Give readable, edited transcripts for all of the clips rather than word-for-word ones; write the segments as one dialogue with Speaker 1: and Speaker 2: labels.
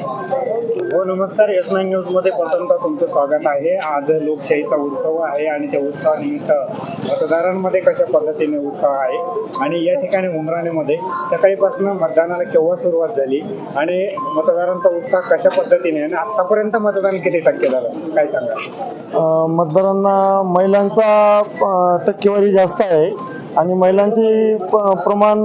Speaker 1: हो नमस्कार, S9 news मध्ये प्रथमतः तुमचं स्वागत आहे. आज लोकशाहीचा उत्सव आहे आणि त्या उत्सवानिमित्त मतदारांमध्ये कशा पद्धतीने उत्साह आहे आणि या ठिकाणी उमराणेमध्ये सकाळीपासून मतदानाला केव्हा सुरुवात झाली आणि मतदारांचा उत्साह कशा पद्धतीने आणि आतापर्यंत मतदान किती टक्के झालं काय सांगा?
Speaker 2: मतदारांना महिलांचा टक्केवारी जास्त आहे आणि महिलांचे प्रमाण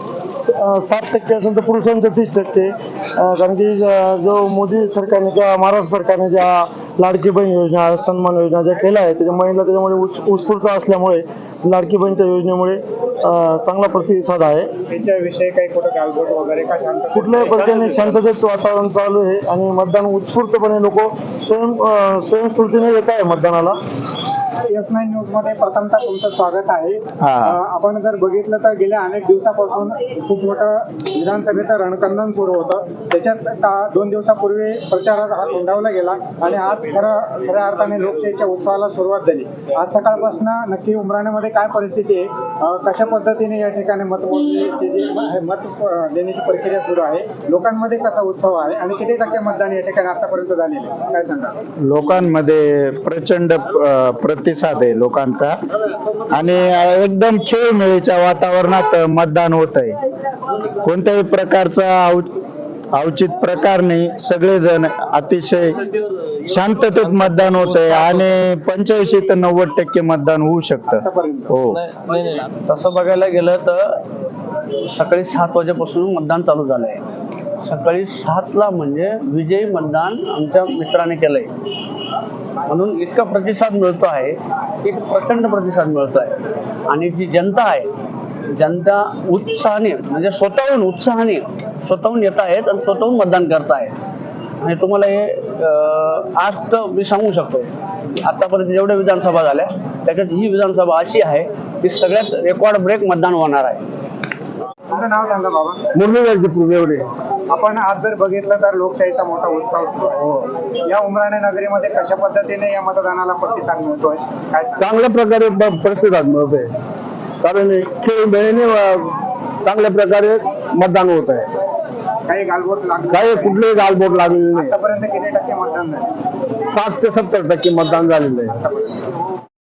Speaker 2: 7% असेल तर पुरुषांचं 30%. कारण की जो मोदी सरकारने किंवा महाराष्ट्र सरकारने ज्या लाडकी बहीण योजना सन्मान योजना ज्या केल्या आहेत त्याच्या महिला त्याच्यामुळे उत्स्फूर्त असल्यामुळे लाडकी बहीणच्या योजनेमुळे चांगला प्रतिसाद आहे.
Speaker 1: त्याच्याविषयी काही कुठं गालबोट वगैरे का शांत
Speaker 2: कुठल्याही प्रकारे शांततेत वातावरण चालू आहे आणि मतदान उत्स्फूर्तपणे लोक स्वयंस्फूर्तीने येत आहे मतदानाला.
Speaker 1: S9 न्यूज मध्ये प्रथमतः तुमचं स्वागत आहे. आपण जर बघितलं तर गेल्या अनेक दिवसापासून खूप मोठं विधानसभेचं रणकंदन सुरू होतं. त्याच्यात 2 दिवसापूर्वी प्रचाराचा हात हुंडावला गेला आणि आज खऱ्या अर्थाने लोकशाहीच्या उत्सवाला सुरुवात झाली. आज सकाळपासून नक्की उमराणेमध्ये काय परिस्थिती आहे, कशा पद्धतीने या ठिकाणी मत देण्याची प्रक्रिया सुरू आहे, लोकांमध्ये कसा उत्सव आहे आणि किती टक्के मतदान या ठिकाणी आतापर्यंत झालेले काय सांगा?
Speaker 3: लोकांमध्ये प्रचंड प्रतिसाद आहे लोकांचा आणि एकदम खेळमेळीच्या वातावरणात मतदान होत आहे. कोणत्याही प्रकारचा अवचित प्रकार नाही, सगळेजण अतिशय शांततेत मतदान होत आहे आणि 85 ते 90% मतदान होऊ शकतं. हो,
Speaker 4: तसं बघायला गेलं तर सकाळी 7 वाजेपासून मतदान चालू झालंय. सकाळी 7ला म्हणजे विजयी मतदान आमच्या मित्राने केलंय म्हणून इतका प्रतिसाद मिळतो आहे की प्रचंड प्रतिसाद मिळतो आहे. आणि जी जनता आहे, जनता उत्साहाने म्हणजे स्वतःहून येत आहेत आणि स्वतःहून मतदान करत आहेत. आणि तुम्हाला हे आज तर मी सांगू शकतो आतापर्यंत जेवढ्या विधानसभा झाल्या त्याच्यात ही विधानसभा अशी आहे की सगळ्यात रेकॉर्ड ब्रेक मतदान होणार आहे.
Speaker 1: तुमचं नाव सांगा बाबा?
Speaker 2: मुरलीधर.
Speaker 1: आपण आज जर बघितलं तर लोकशाहीचा मोठा उत्सव सुरू आहे. या उमराणे नगरीमध्ये कशा पद्धतीने या मतदानाला प्रतिसाद मिळतोय काय सांगा?
Speaker 2: चांगल्या प्रकारे प्रतिसाद मिळतोय कारण खेळमेळीने चांगल्या प्रकारे मतदान होत आहे.
Speaker 1: काही गालबोट लागले
Speaker 2: काही कुठलेही गालबोट लागलेले नाही.
Speaker 1: आतापर्यंत किती टक्के मतदान झाले?
Speaker 2: 60 ते 70% मतदान झालेलं आहे.